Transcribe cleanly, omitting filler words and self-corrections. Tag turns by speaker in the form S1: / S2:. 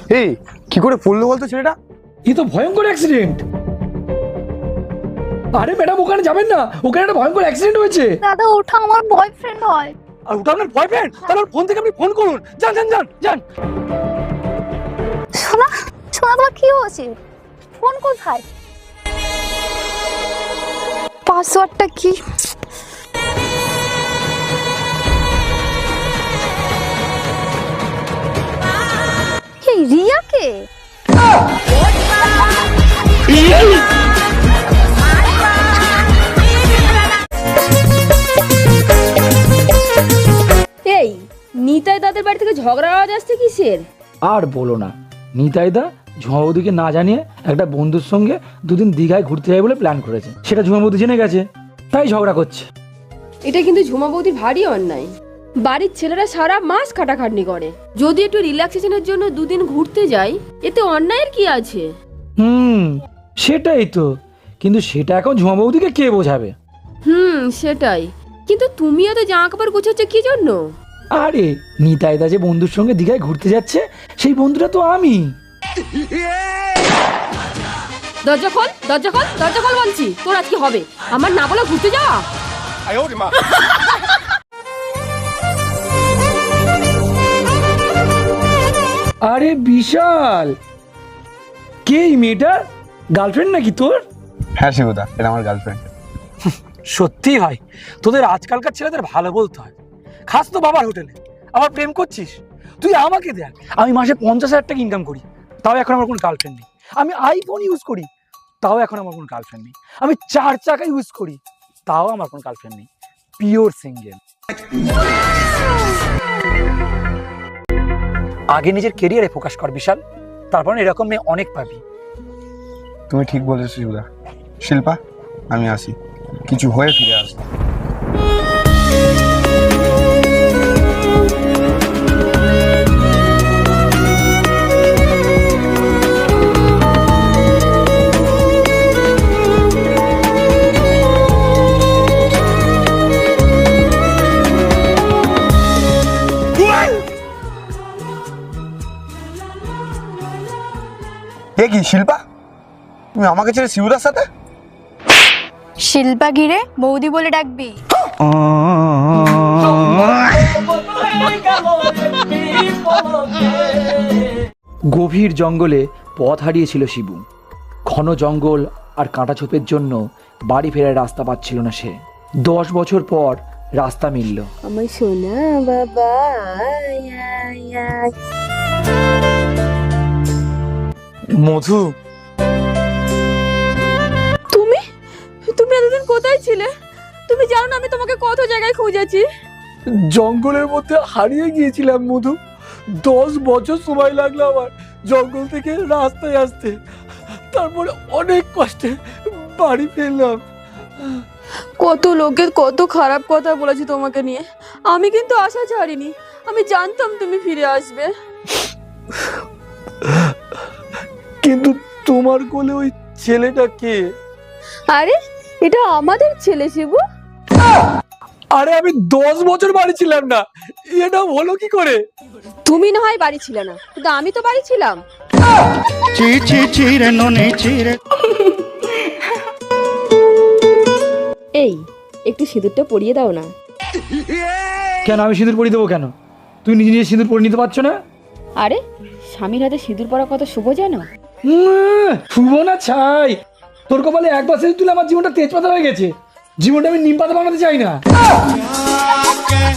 S1: এই কি করে পড়লো বলতো ছেলেটা?
S2: এ তো ভয়ঙ্কর অ্যাক্সিডেন্ট। আরে ম্যাডাম ওখানে যাবেন না, ওখানে একটা ভয়ঙ্কর অ্যাক্সিডেন্ট হয়েছে।
S3: দাদা ওটা আমার বয়ফ্রেন্ড হয়।
S1: আর ওটা আপনার বয়ফ্রেন্ড? তাহলে ওর ফোন থেকে আপনি ফোন করুন। যান যান যান যান।
S3: সোনা সোনা তোমার কি হয়েছে? ফোন কোথায়? পাসওয়ার্ডটা কি? এই রিয়াকে?
S4: এই নিতাই দাদের বাড়ি থেকে ঝগড়া আওয়াজ আসছে কিসের?
S2: আর বলো না, নিতাইদা ঝুমাবুদিকে না জানিয়ে একটা বন্ধুর সঙ্গে দুদিন দীঘায় ঘুরতে যাবে বলে প্ল্যান করেছে। সেটা ঝুমাবুদি জেনে গেছে, তাই ঝগড়া করছে।
S4: এটা কিন্তু ঝুমা বৌদির ভারী অন্যায়। বাড়ির ছেলেরা সারা মাস খাটাখাটনি করে, যদি একটু রিল্যাক্সেশনের জন্য দুদিন ঘুরতে যাই এতে অন্যায়ের কি আছে?
S2: সেটাই তো, কিন্তু সেটা এখন ঝুমাবুদিকে কে বোঝাবে?
S4: সেটাই। কিন্তু তুমি এত জামা কাপড় গুছাচ্ছ কি জন্য?
S2: আরে নিতাইদা যে বন্ধুর সঙ্গে দীঘায় ঘুরতে যাচ্ছে সেই বন্ধুটা তো আমি।
S4: দরজা খোল দরজা খোল দরজা খোল বলছি। তোর আজ কি হবে? আমার না বলে ঘুরতে যাওয়া?
S2: আরে বিশাল, কে এই মেয়েটা? গার্লফ্রেন্ড নাকি তোর?
S1: হ্যাঁ শিবুদা, এটা আমার গার্লফ্রেন্ড।
S2: সত্যি ভাই, তোদের আজকালকার ছেলেদের ভালো বলতে হয়। খাস তো বাবার হোটেলে, আবার প্রেম করছিস? তুই আমাকে দেখ, আমি মাসে 50,000 টাকা ইনকাম করি, তাও এখন আমার কোনো গার্লফ্রেন্ড নেই। আমি আইফোন ইউজ করি, তাও এখন আমার কোনো গার্লফ্রেন্ড নেই। আমি 4 চাকা ইউজ করি, তাও আমার কোনো গার্লফ্রেন্ড নেই। Pure single. আগে নিজের কেরিয়ারে ফোকাস কর বিশাল, তারপর এরকম মেয়ে অনেক পাবি।
S1: তুমি ঠিক বলেছো শিবুদা। শিল্পা, আমি আসি, কিছু হয়ে ফিরে আসবো। এ কি শিল্পা, তুমি আমাকে ছেড়ে শিবুদার সাথে?
S3: শিল্পা গিরে বৌদি বলে ডাকবি।
S2: গভীর জঙ্গলে পথ হারিয়েছিল শিবু। ঘন জঙ্গল আর কাঁটাছোপের জন্য বাড়ি ফেরার রাস্তা পাচ্ছিল না সে। 10 বছর পর রাস্তা মিলল।
S4: আমার সোনা বাবা।
S2: মধু,
S4: তুমি তুমি এতদিন কোথায় ছিলে? তুমি জানো না আমি তোমাকে কত জায়গায় খুঁজেছি।
S2: জঙ্গলের মধ্যে হারিয়ে গিয়েছিলাম মধু। 10 বছর সময় লাগলো আমার জঙ্গল থেকে রাস্তায় আসতে, তারপরে অনেক কষ্টে বাড়ি ফিরলাম।
S4: কত লোকের কত খারাপ কথা বলেছি তোমাকে নিয়ে, আমি কিন্তু আশা ছাড়িনি। আমি জানতাম তুমি ফিরে আসবে।
S2: কিন্তু তোমার কোলে ওই ছেলেটা কে?
S4: আরে এটা আমাদের ছেলে শিবু।
S2: আরে আমি 10 বছর বাড়ি ছিলাম না, এটা হলো কি করে?
S4: তুমি না হয় বাড়ি ছিলে না, কিন্তু আমি তো বাড়ি ছিলাম। এই একটু সিঁদুরটা পরিয়ে দাও না।
S2: কেন আমি সিঁদুর পরিয়ে দেবো কেন? তুই নিজে নিজে সিঁদুর পরে নিতে পারছো না?
S4: আরে স্বামীর হাতে সিঁদুর পরা কত শুভ জানো?
S2: শুভ না ছাই, তোর কপালে একবার সিঁদুর তুলে আমার জীবনটা তেজপাতা হয়ে গেছে। জীবনটা আমি নিম পাতা বানাতে চাই না।